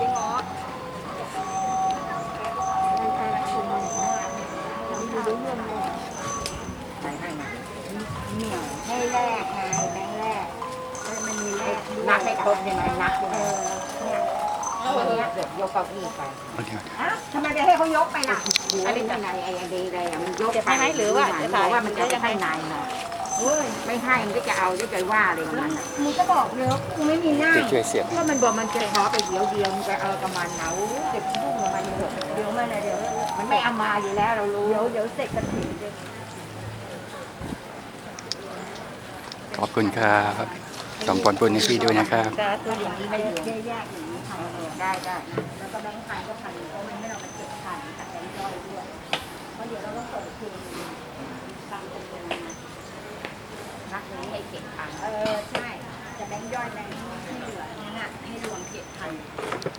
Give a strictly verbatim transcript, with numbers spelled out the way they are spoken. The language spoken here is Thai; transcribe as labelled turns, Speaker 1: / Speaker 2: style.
Speaker 1: จริงเหรอใส่ให้มาเหนียวให้แรกไงแบงค์แรกมันมีแรกนับให้ครบใช่ไหมนับเออเนี่ยเอาเนี้ยเดี๋ยวยกเก้าอี้ไป
Speaker 2: โอเค
Speaker 1: อ้าวทำไมไปให้เขายกไปล่ะอันนี้ไงไอ้ดีเลยอ่ะมันยกไปให้หรือว่าจะบอกว่ามันจะให้นายหน่อยไม่ให้มันก็จะเอาจะใจว่าเลยมันมึงก็บอกเนอะกูไม่มีหน้า
Speaker 2: จะช่วยเสียบ
Speaker 1: ว่ามันบอกมันจะขอไปเดียวเดียวมันจะเอากับมันเหนาเก็บยุ่งกับมันเถอะเดี๋ยวมันเดี๋ยวมันไม่เอามาอยู่แล้วเรารู้เดี๋ยวเดี๋ยวเสร็จกันถึง
Speaker 2: ขอบคุณครับส่งผลบุญให้พี่ด้วยนะครับ
Speaker 1: ตัวอย่างนี้ไม่เยอะแยกอย่างนี้ค่ะได้ได้แล้วก็แบงค์พันก็พันเพราะมันไม่เราไปเก็บพันแต่แบงค์ย่อยด้วยเพราะเดี๋ยวเราต้องเปิดคืนตามจำนวนนักนี้ให้เก็บพันเออใช่จะแบงค์ย่อยแบงค์ที่เหลือนั่นน่ะให้รวมเก็บพัน